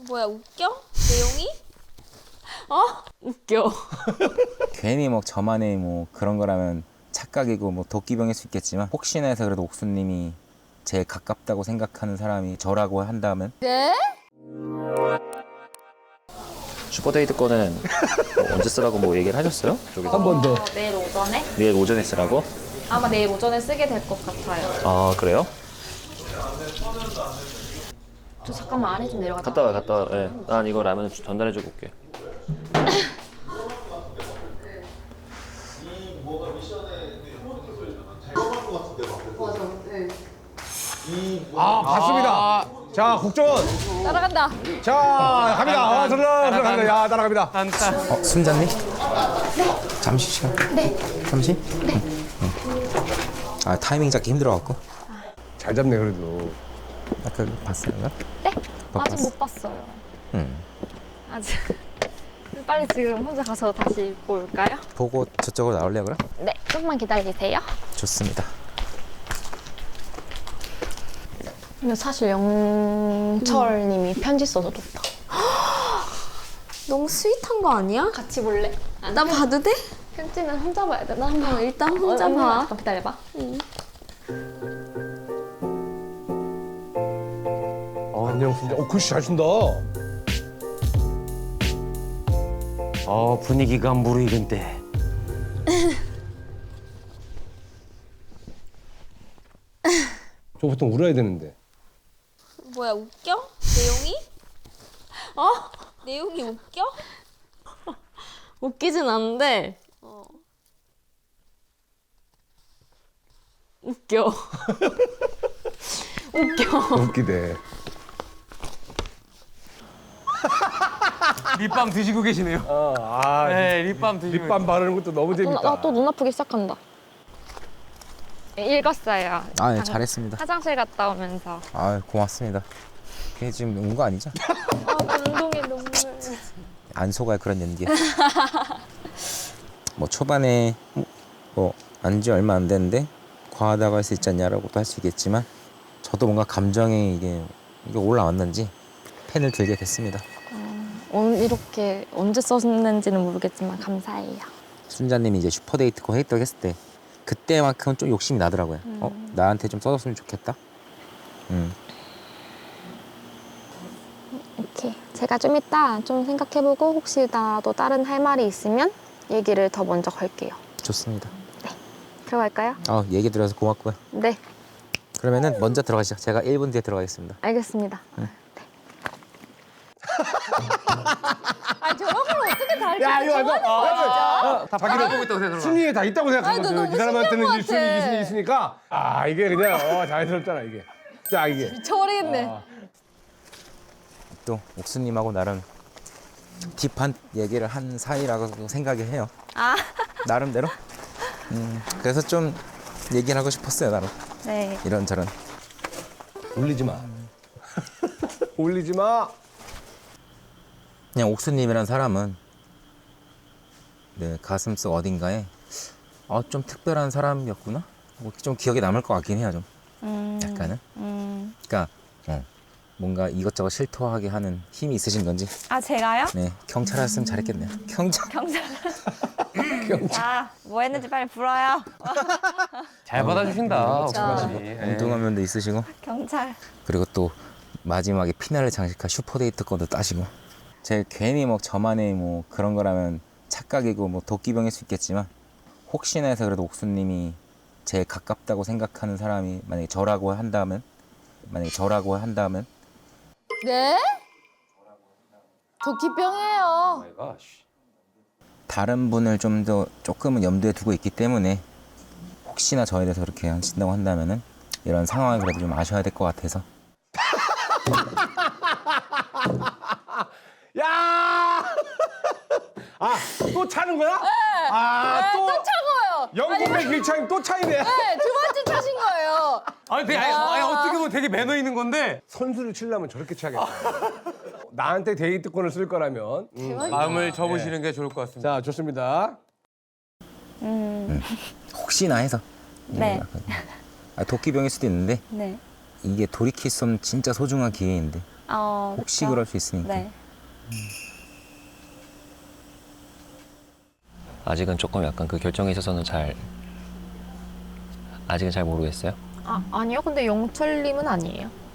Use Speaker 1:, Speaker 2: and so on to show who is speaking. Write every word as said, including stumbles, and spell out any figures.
Speaker 1: 뭐야, 웃겨? 내용이? 어? 웃겨.
Speaker 2: 괜히 뭐 저만의 뭐 그런 거라면 착각이고 뭐 도끼병일 수 있겠지만 혹시나 해서 그래도 옥수님이 제일 가깝다고 생각하는 사람이 저라고 한다면
Speaker 1: 네?
Speaker 3: 슈퍼데이트 거는 뭐 언제 쓰라고 뭐 얘기를 하셨어요? 저기서?
Speaker 4: 한 번 더.
Speaker 1: 어, 내일 오전에?
Speaker 3: 내일 오전에 쓰라고?
Speaker 1: 아마 내일 오전에 쓰게 될 것 같아요.
Speaker 3: 아 그래요?
Speaker 1: 저 잠깐만 아래 좀 내려가자.
Speaker 3: 갔다 와 갔다 와. 예. 난 이거 라면 전달해주고 올게.
Speaker 4: 아, 봤습니다. 자, 국정원.
Speaker 1: 따라간다.
Speaker 4: 자, 갑니다. 아, 들어가, 들어갑니다. 야, 따라갑니다.
Speaker 2: 어? 순자님? 네. 잠시 시간? 네. 잠시? 네. 응. 응. 아 타이밍 잡기 힘들어갖고
Speaker 4: 잘 잡네, 그래도.
Speaker 2: 아까 봤어요?
Speaker 1: 네?
Speaker 2: 못
Speaker 1: 아직
Speaker 2: 봤어.
Speaker 1: 못 봤어요.
Speaker 2: 응.
Speaker 1: 아직. 빨리 지금 혼자 가서 다시 볼까요?
Speaker 2: 보고 저쪽으로 나올래요 그럼?
Speaker 1: 네, 조금만 기다리세요.
Speaker 2: 좋습니다.
Speaker 1: 근데 사실 영철님이 편지 써서 줬다.
Speaker 5: 너무 스윗한 거 아니야?
Speaker 1: 같이 볼래?
Speaker 5: 나 봐도 돼?
Speaker 1: 편지는 혼자 봐야 돼. 나 한번
Speaker 5: 일단 혼자 봐.
Speaker 1: 잠깐 기다려봐.
Speaker 4: 아, 안녕, 진짜. 어, 글씨 잘 쓴다.
Speaker 6: 어, 분위기가 무르익은데.
Speaker 4: 저 보통 울어야 되는데.
Speaker 1: 뭐야, 웃겨? 내용이? 어? 내용이 웃겨?
Speaker 5: 웃기진 않은데
Speaker 1: 어.
Speaker 5: 웃겨.
Speaker 4: 웃기대.
Speaker 6: 립밤 드시고 계시네요.
Speaker 4: 어, 아,
Speaker 6: 네, 립밤 드시고.
Speaker 4: 립밤 바르는 것도 너무 재밌다.
Speaker 1: 나 또 눈 아프기 시작한다. 읽었어요.
Speaker 2: 아 네, 잘했습니다.
Speaker 1: 화장실 갔다 오면서.
Speaker 2: 아 고맙습니다. 그게 지금 운 거 아니죠?
Speaker 1: 아, 감동의 눈물.
Speaker 2: 안 속아요 그런 연기. 뭐 초반에 뭐 안지 얼마 안 됐는데 과하다고 할 수 있지 않냐라고도 할 수 있겠지만 저도 뭔가 감정이 이게 이게 올라왔는지 펜을 들게 됐습니다.
Speaker 1: 오늘 이렇게 언제 썼는지는 모르겠지만 감사해요.
Speaker 2: 순자님이 이제 슈퍼데이트 거 했다고 했을 때 그때만큼은 좀 욕심이 나더라고요.
Speaker 1: 음.
Speaker 2: 어 나한테 좀 써줬으면 좋겠다. 음.
Speaker 1: 이렇게 제가 좀 이따 좀 생각해보고 혹시 나도 다른 할 말이 있으면 얘기를 더 먼저 걸게요.
Speaker 2: 좋습니다.
Speaker 1: 들어갈까요?
Speaker 2: 아 얘기 들어서 고맙고요.
Speaker 1: 네,
Speaker 2: 그러면은 먼저 들어가시죠. 제가 일 분 뒤에 들어가겠습니다.
Speaker 1: 알겠습니다.
Speaker 2: 응.
Speaker 1: 네. 아 저런 걸 어떻게 다
Speaker 4: 야, 이거 완전. 아,
Speaker 6: 다 바퀴를 보고 있다고 생각하는
Speaker 4: 순위에 다 있다고
Speaker 5: 아니, 너
Speaker 4: 생각하거든.
Speaker 5: 너무
Speaker 4: 이 사람한테는
Speaker 5: 신기한 것
Speaker 4: 일순위,
Speaker 5: 같아.
Speaker 4: 이순위 있으니까. 아, 이게 그냥 어, 자연스럽잖아, 이게. 자, 이게.
Speaker 5: 미쳐버리겠네.
Speaker 4: 아.
Speaker 2: 또 옥수님하고 나름 딥한 얘기를 한 사이라고 생각을 해요.
Speaker 1: 아,
Speaker 2: 나름대로. 음, 그래서 좀 얘기를 하고 싶었어요, 나름.
Speaker 1: 네.
Speaker 2: 이런저런.
Speaker 4: 울리지 마. 울리지 마.
Speaker 2: 그냥 옥수님이란 사람은 네, 가슴속 어딘가에 어, 좀 특별한 사람이었구나? 뭐 좀 기억에 남을 것 같긴 해요, 좀.
Speaker 1: 음,
Speaker 2: 약간은.
Speaker 1: 음.
Speaker 2: 그러니까 어, 뭔가 이것저것 실토하게 하는 힘이 있으신 건지.
Speaker 1: 아 제가요?
Speaker 2: 네, 경찰 하셨으면 잘했겠네요. 경찰.
Speaker 1: 경찰. 아, 뭐 했는지 빨리 불어요.
Speaker 6: 잘 받아주신다, 옥수아 씨.
Speaker 2: 엉뚱한 면도 있으시고.
Speaker 1: 경찰.
Speaker 2: 그리고 또 마지막에 피날레 장식할 슈퍼데이트 거도 따시고. 제 괜히 뭐 저만의 뭐 그런 거라면 착각이고 뭐 도끼병일 수 있겠지만 혹시나 해서 그래도 옥수님이 제일 가깝다고 생각하는 사람이 만약에 저라고 한다면 만약에 저라고 한다면
Speaker 5: 네? 도끼병이에요.
Speaker 2: 다른 분을 좀 더 조금은 염두에 두고 있기 때문에 혹시나 저에 대해서 그렇게 하신다고 한다면은 이런 상황을 그래도 좀 아셔야 될 것 같아서.
Speaker 4: 야! 아, 또 차는 거야? 네. 아, 또,
Speaker 5: 또 차고요.
Speaker 4: 영국의 길차임 또 차이네.
Speaker 5: 네, 두 번째 차신 거예요.
Speaker 6: 아니, 되게, 아니, 아니, 어떻게 보면 되게 매너 있는 건데
Speaker 4: 선수를 치려면 저렇게 차겠다. 나한테 데이트권을 쓸 거라면. 음.
Speaker 6: 마음을 접으시는 게 좋을 것 같습니다.
Speaker 4: 자, 좋습니다.
Speaker 1: 음,
Speaker 2: 혹시나 해서.
Speaker 1: 네.
Speaker 2: 아, 도끼병일 수도 있는데
Speaker 1: 네.
Speaker 2: 이게 돌이킬 수 없는 진짜 소중한 기회인데
Speaker 1: 어,
Speaker 2: 혹시
Speaker 1: 그쵸?
Speaker 2: 그럴 수 있으니까.
Speaker 1: 네.
Speaker 3: 아직은 조금 약간 그 결정에 있어서는 잘 아직은 잘 모르겠어요.
Speaker 1: 아, 아니요. 근데 영철님은 아니에요.